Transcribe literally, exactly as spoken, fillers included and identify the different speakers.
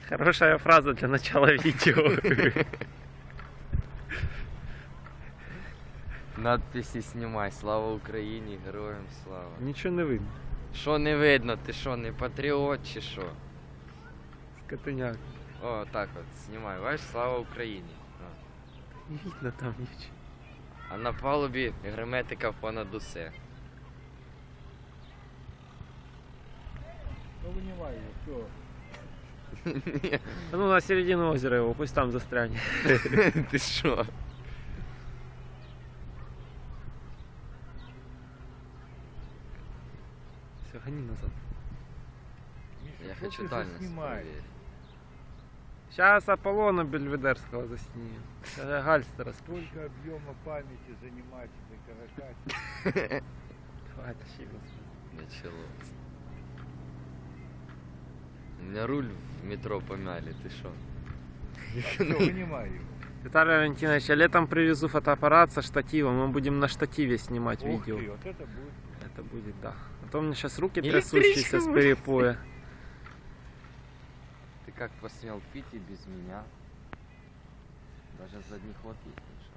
Speaker 1: Хорошая фраза для начала видео.
Speaker 2: Надписи снимай. Слава Україні, героям слава.
Speaker 1: Нічого не видно.
Speaker 2: Що не видно? Ти що, не патріот чи що?
Speaker 1: Скотиняк.
Speaker 2: О, так от, знімай. Бачиш, слава Україні. О.
Speaker 1: Не видно там нічого.
Speaker 2: А на палубі герметика понад усе.
Speaker 3: Ну вынимай его, все.
Speaker 1: А ну на середину озера его, пусть там застрянет.
Speaker 2: Ти що?
Speaker 1: Все, гони назад.
Speaker 2: Я
Speaker 3: Что
Speaker 2: хочу
Speaker 3: ты
Speaker 2: дальность
Speaker 3: снимаешь?
Speaker 2: проверить.
Speaker 1: Сейчас Аполлона Бельведерского заснимем. Сейчас Гальстера спустим.
Speaker 3: Сколько объема памяти занимательной каракатицы.
Speaker 1: Давай, тащи его.
Speaker 2: Началось. У меня руль в метро помяли, ты шо?
Speaker 3: Все, вынимай его.
Speaker 1: Виталий Валентинович, я летом привезу фотоаппарат со штативом. Мы будем на штативе снимать
Speaker 3: Ух
Speaker 1: видео.
Speaker 3: ты, вот это будет.
Speaker 1: Это будет, да. А то у меня сейчас руки
Speaker 2: Электричка
Speaker 1: трясущиеся с
Speaker 2: будет.
Speaker 1: перепоя.
Speaker 2: Ты как посмел пить и без меня? Даже задний ход есть, Миша.